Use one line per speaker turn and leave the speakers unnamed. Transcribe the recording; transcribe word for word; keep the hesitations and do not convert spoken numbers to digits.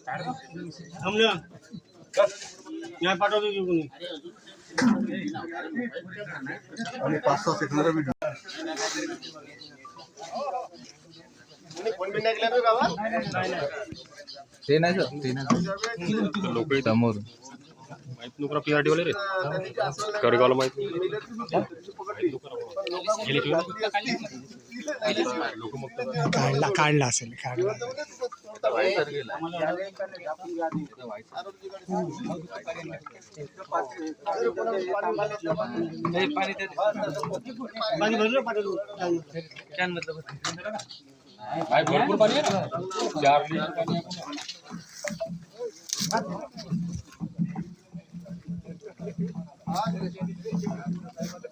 थांबलं नाही पाठवतो की कोणी
आणि पाच सहा सेकंदाचा व्हिडिओ
ते नाही सर ते नाही लोक समोर
माहित नको पीआरटी वाले रे कडगावला माहित
काढला काढला असेल काढला
पाणी भरलं पाठवतो
कॅन मधलं
भाई भरपूर पाणी आहे ना चार लिटर पाणी आहे